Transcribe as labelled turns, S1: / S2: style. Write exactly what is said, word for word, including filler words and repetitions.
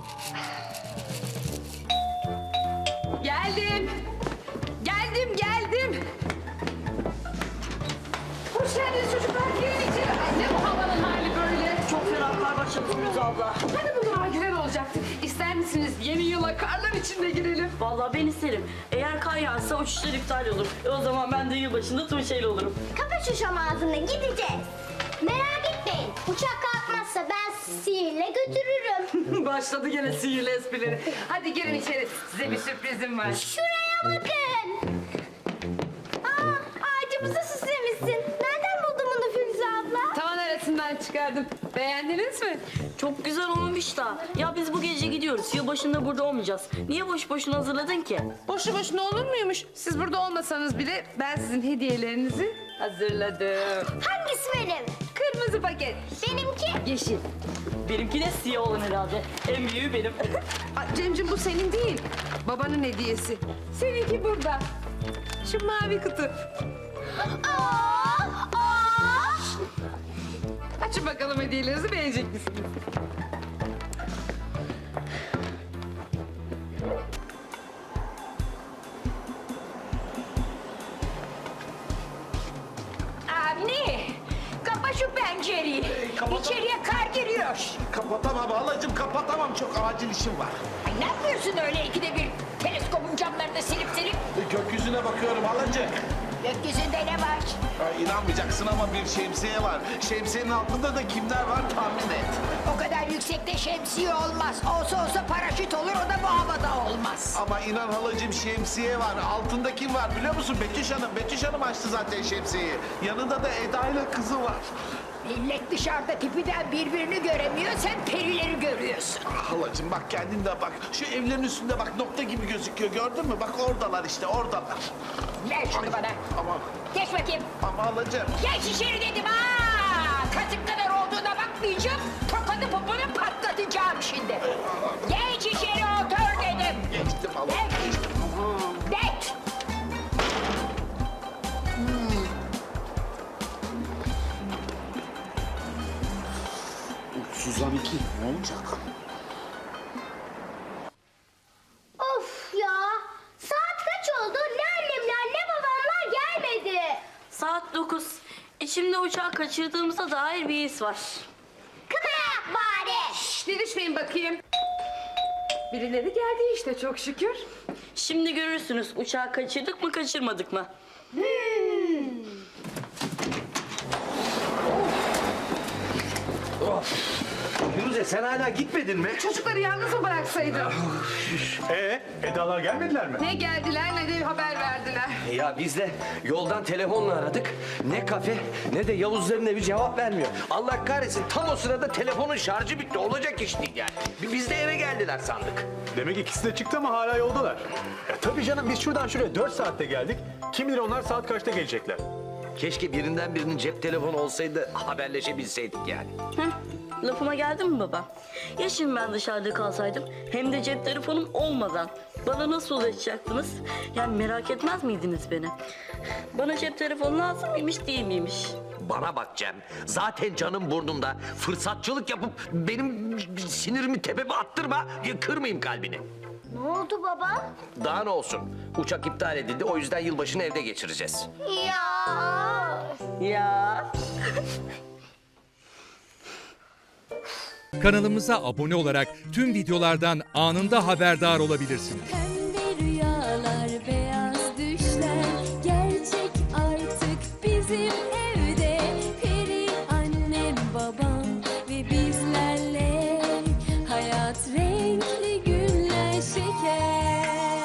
S1: Geldim. Geldim, geldim. Hoş geldiniz çocuklar. Girin içeri. Ay ne bu havanın hali böyle?
S2: Çok fena kar başladı Firuze abla.
S1: Hani bugün hava güzel olacaktı. İster misiniz yeni yıla karlar içinde girelim?
S2: Vallahi ben isterim. Eğer kar yağarsa uçuşlar iptal olur. E o zaman ben de yılbaşında Tuğçe'yle olurum.
S3: Kapa şu şam ağzını, gideceğiz. Merak etmeyin. Uçak kalkmazsa ben sizi sihirle götürürüm.
S1: Başladı gene sihirli esprileri. Hadi girin içeri. Size bir sürprizim var.
S3: Şuraya bakın. Aa, ağacımızı süslemişsin. Nereden buldun bunu Firuze abla?
S1: Tavan arasından çıkardım. Beğendiniz mi?
S2: Çok güzel olmuş da. Ya biz bu gece gidiyoruz. Yılbaşında burada olmayacağız. Niye boş boşuna hazırladın ki?
S1: Boşu boşuna olur muymuş? Siz burada olmasanız bile ben sizin hediyelerinizi hazırladım.
S3: Hangisi benim?
S1: Kırmızı paket.
S3: Benimki?
S1: Yeşil.
S2: Benimki de siyah olan herhalde. En büyüğü benim.
S1: Aa, Cemciğim bu senin değil. Babanın hediyesi. Seninki burada. Şu mavi kutu.
S3: Aa, aa.
S1: Açın bakalım hediyelerinizi, beğenecek misiniz?
S4: Avni, kapa şu pencereyi. İçeriye kar giriyor.
S5: Kapatamam halacığım, kapatamam. Çok acil işim var.
S4: Ay ne yapıyorsun öyle ikide bir teleskopun camlarını silip silip?
S5: Gökyüzüne bakıyorum halacığım.
S4: Gökyüzünde ne var?
S5: Ay, inanmayacaksın ama bir şemsiye var. Şemsiyenin altında da kimler var tahmin et.
S4: O kadar yüksekte şemsiye olmaz. Olsa olsa paraşüt olur, o da bu havada olmaz.
S5: Ama inan halacığım şemsiye var. Altında kim var biliyor musun? Betüş Hanım. Betüş Hanım açtı zaten şemsiyeyi. Yanında da Eda ile kızı var.
S4: Millet dışarıda tipiden birbirini göremiyor, sen perileri görüyorsun.
S5: Ah, halacığım bak kendin de bak. Şu evlerin üstünde bak nokta gibi gözüküyor. Gördün mü? Bak oradalar işte oradalar.
S4: Ver şunu bana.
S5: Ama
S4: Geç bakayım.
S5: ama halacığım.
S4: Geç içeri dedim ha. Katık kadar olduğuna bakmayacağım. Tokadı poponu patlatacağım şimdi. Geç içeri otur dedim.
S5: Geçtim halacığım.
S4: Geç. Geç.
S5: Suzan iki ne olacak?
S3: Of ya. Saat kaç oldu? Ne annemler ne babamlar gelmedi.
S2: Saat dokuz. İçimde uçağı kaçırdığımıza dair bir his var.
S3: Kıvırak bari.
S1: Şşş, didişmeyin bakayım. Birileri geldi işte çok şükür.
S2: Şimdi görürsünüz uçağı kaçırdık mı kaçırmadık mı?
S6: Firuze sen hala gitmedin mi?
S1: Çocukları yalnız mı bıraksaydım?
S7: Ee, Edalar gelmediler mi?
S1: Ne geldiler ne de haber verdiler.
S6: Ya biz de yoldan telefonla aradık. Ne kafe ne de Yavuzların evi cevap vermiyor. Allah kahretsin tam o sırada telefonun şarjı bitti. Olacak iş değil yani. Biz de eve geldiler sandık.
S7: Demek ikisi de çıktı ama hala yoldalar. E, tabii canım biz şuradan şuraya dört saatte geldik. Kim bilir onlar saat kaçta gelecekler.
S6: Keşke birinden birinin cep telefonu olsaydı haberleşebilseydik yani.
S2: Heh, lafıma geldi mi baba? Ya şimdi ben dışarıda kalsaydım hem de cep telefonum olmadan bana nasıl ulaşacaktınız? Yani merak etmez miydiniz beni? Bana cep telefonu lazım mıymış değil miymiş?
S6: Bana bak Cem. Zaten canım burnumda. Fırsatçılık yapıp benim sinirimi tepeme attırma. Kırmayayım kalbini.
S3: Ne oldu baba?
S6: Daha ne olsun? Uçak iptal edildi. O yüzden yılbaşını evde geçireceğiz.
S3: Ya.
S2: Ya.
S8: Kanalımıza abone olarak tüm videolardan anında haberdar olabilirsiniz.